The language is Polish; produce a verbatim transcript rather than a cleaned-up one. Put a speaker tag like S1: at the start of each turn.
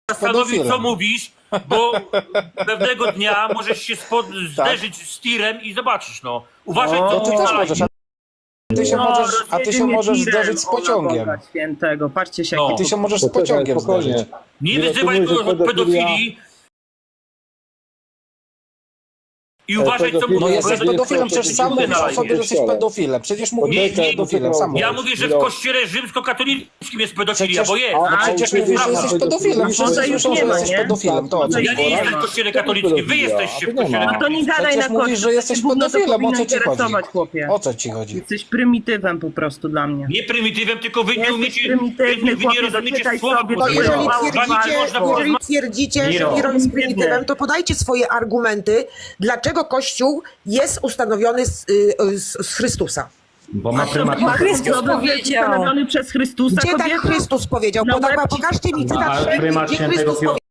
S1: zastanowić, co mówisz, bo pewnego dnia możesz się spod... zderzyć z tirem i zobaczysz, no. Uważaj,
S2: O,
S1: co
S2: to ty
S1: mówisz
S2: też
S1: na
S2: możesz,
S1: live.
S2: a ty się
S3: No,
S2: możesz, a ty
S3: rozjedzie
S2: się
S3: mnie
S2: możesz
S3: tirem,
S2: zderzyć z
S3: Boga
S2: pociągiem.
S3: Boga Świętego, patrzcie się,
S1: No.
S3: jaki
S2: Ty się możesz z
S4: Poczekaj,
S2: pociągiem
S4: spokojnie.
S2: zderzyć.
S1: Nie
S4: Nie
S1: wyzywaj
S4: rozumiem,
S1: go
S4: że
S1: od pedofilii i uważaj, co
S4: pedofil-
S2: No
S1: mówisz.
S2: jesteś
S1: bo ja-
S2: pedofilem, przecież sam
S1: na
S2: mówisz o
S1: live.
S2: sobie, że jesteś pedofilem. Przecież mówisz, że jesteś
S1: Nie,
S2: pedofilem, sam
S1: Ja
S2: mówisz.
S1: mówię, że w kościele rzymskokatolickim jest pedofilia,
S2: Przecież,
S1: bo jest.
S2: no przecież
S4: A,
S2: mówisz, że
S4: prawda.
S2: jesteś pedofilem. Wszyscy
S3: Może już
S2: słyszą,
S3: nie
S2: że
S3: ma,
S2: jesteś
S3: nie?
S2: pedofilem. To o co
S1: Ja
S2: ci
S1: nie
S2: chodzi?
S1: jestem w kościele katolickim, wy jesteście w kościele
S3: No to nie
S1: katolickim.
S3: gadaj na
S2: Przecież mówisz,
S3: kościół,
S2: że jesteś
S3: gówno to
S2: pedofilem, o
S3: powinno
S2: co ci chodzi?
S3: interesować, chłopie.
S2: O co ci chodzi?
S3: Jesteś prymitywem po prostu dla mnie.
S1: Nie prymitywem, tylko wy nie
S3: Jesteś
S1: umiecie,
S3: prymitywny,
S1: wy nie
S3: chłopie,
S1: rozumiecie
S3: doczytaj
S1: słowa
S3: sobie,
S5: To
S3: to
S1: polskiego.
S5: jeżeli
S3: mało
S5: twierdzicie,
S3: ważne,
S1: Można
S5: jeżeli
S1: porozmawiać.
S5: twierdzicie, że
S3: Miro.
S5: Miro jest prymitywem,
S3: Biedny.
S5: to podajcie swoje argumenty, dlaczego Kościół jest ustanowiony z, y, z, z Chrystusa.
S6: Bo ma prymat.
S3: Ma
S7: Chrystus powiedział.
S3: Ustanowiony przez Chrystusa.
S5: Gdzie tak
S3: kobieta?
S5: Chrystus powiedział?
S3: Na
S5: Poda-
S3: łeb ci-
S5: Pokażcie mi cytat,
S6: A
S5: gdzie
S6: prymat
S5: gdzie
S6: świętego
S5: Chrystus
S6: Piotra